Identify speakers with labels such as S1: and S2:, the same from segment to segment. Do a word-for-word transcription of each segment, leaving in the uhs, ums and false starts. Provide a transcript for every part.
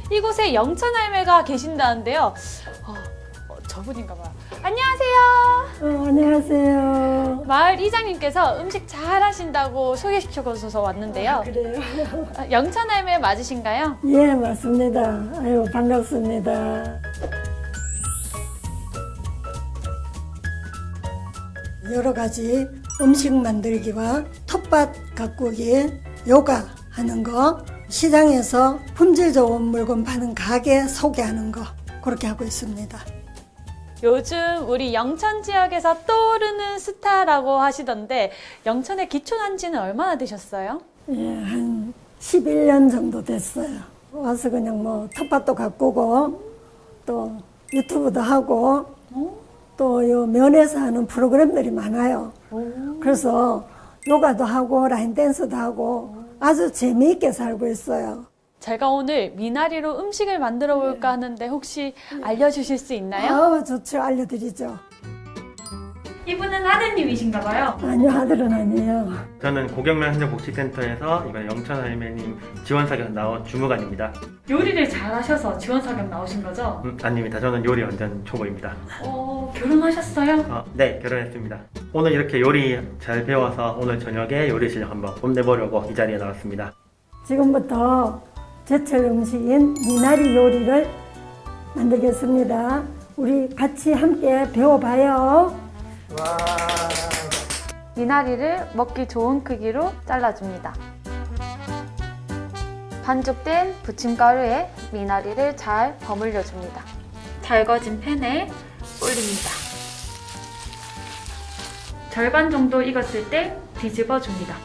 S1: 이곳에 영천 할매가 계신다는데요. 어, 어, 저분인가 봐요. 안녕하세요.
S2: 어, 안녕하세요.
S1: 마을 이장님께서 음식 잘 하신다고 소개시켜주셔서 왔는데요.
S2: 아, 그래요?
S1: 어, 영천 할매 맞으신가요?
S2: 예, 맞습니다. 아유, 반갑습니다. 여러 가지 음식 만들기와 텃밭 가꾸기, 요가 하는 거, 시장에서 품질 좋은 물건 파는 가게 소개하는 거, 그렇게 하고 있습니다.
S1: 요즘 우리 영천 지역에서 떠오르는 스타라고 하시던데 영천에 기촌한 지는 얼마나 되셨어요?
S2: 예, 한 십일 년 정도 됐어요. 와서 그냥 뭐 텃밭도 가꾸고, 또 유튜브도 하고, 또 요 면에서 하는 프로그램들이 많아요. 그래서 요가도 하고 라인 댄스도 하고 아주 재미있게 살고 있어요.
S1: 제가 오늘 미나리로 음식을 만들어 볼까 하는데 혹시 알려주실 수 있나요?
S2: 아우, 좋죠. 알려드리죠.
S1: 이분은 아드님이신가 봐요.
S2: 아니요, 아들은 아니에요.
S3: 저는 고경면 행정복지센터에서 이번 영천 할매님 지원 사격 나온 주무관입니다.
S1: 요리를 잘하셔서 지원 사격 나오신 거죠?
S3: 음, 아닙니다. 저는 요리 완전 초보입니다.
S1: 어, 결혼하셨어요?
S3: 어, 네, 결혼했습니다. 오늘 이렇게 요리 잘 배워서 오늘 저녁에 요리 실력 한번 뽐내보려고 이 자리에 나왔습니다.
S2: 지금부터 제철 음식인 미나리 요리를 만들겠습니다. 우리 같이 함께 배워봐요.
S1: 미나리를 먹기 좋은 크기로 잘라줍니다. 반죽된 부침가루에 미나리를 잘 버무려 줍니다. 달궈진 팬에 올립니다. 절반 정도 익었을 때 뒤집어 줍니다.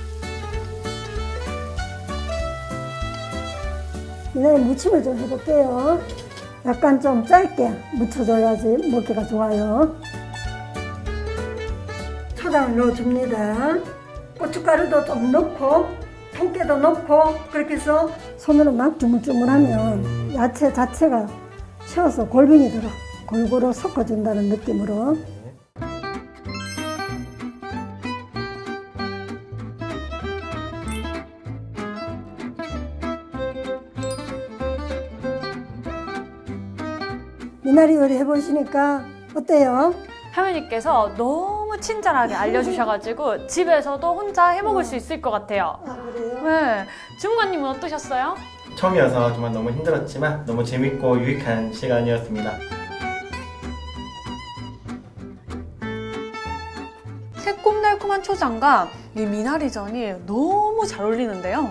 S2: 미나리 무침을 좀 해볼게요. 약간 좀 짧게 무쳐줘야지 먹기가 좋아요. 초장을 넣어줍니다. 고춧가루도 좀 넣고 통깨도 넣고 그렇게 해서 손으로 막 주물주물하면 야채 자체가 채워서 골뱅이 들어 골고루 섞어준다는 느낌으로. 미나리 요리 해보시니까 어때요?
S1: 할머니께서 너무 친절하게 알려주셔가지고 집에서도 혼자 해먹을 수 있을 것 같아요.
S2: 아, 그래요?
S1: 네, 주무관님은 어떠셨어요?
S3: 처음이어서 정말 너무 힘들었지만 너무 재밌고 유익한 시간이었습니다.
S1: 새콤달콤한 초장과 이 미나리전이 너무 잘 어울리는데요.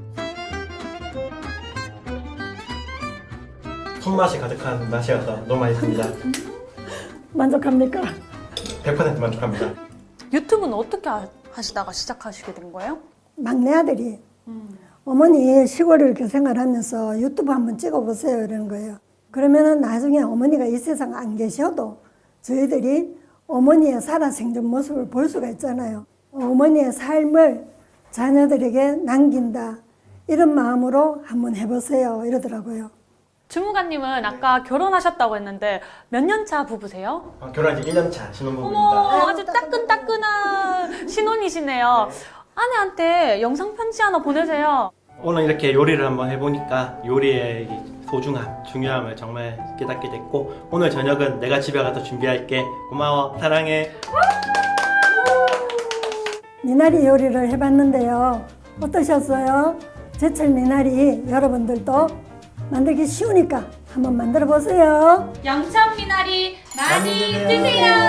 S3: 손맛이 가득한 맛이어서 너무 맛있습니다.
S2: 만족합니까?
S3: 백 퍼센트 만족합니다.
S1: 유튜브는 어떻게 하- 하시다가 시작하시게 된 거예요?
S2: 막내 아들이 어머니 시골에 이렇게 생활하면서 유튜브 한번 찍어보세요 이러는 거예요. 그러면은 나중에 어머니가 이 세상 안 계셔도 저희들이 어머니의 살아생전 모습을 볼 수가 있잖아요. 어머니의 삶을 자녀들에게 남긴다 이런 마음으로 한번 해보세요 이러더라고요.
S1: 주무관님은 아까 결혼하셨다고 했는데 몇 년 차 부부세요?
S3: 어, 결혼한 지 일 년 차 신혼부부입니다.
S1: 어머, 아주 따끈따끈한 신혼이시네요. 아내한테 영상 편지 하나 보내세요.
S3: 오늘 이렇게 요리를 한번 해보니까 요리의 이 소중함, 중요함을 정말 깨닫게 됐고 오늘 저녁은 내가 집에 가서 준비할게. 고마워, 사랑해.
S2: 미나리 요리를 해봤는데요. 어떠셨어요? 제철 미나리 여러분들도 만들기 쉬우니까 한번 만들어 보세요.
S1: 영천 미나리 많이
S3: 많이 드세요.
S1: 드세요.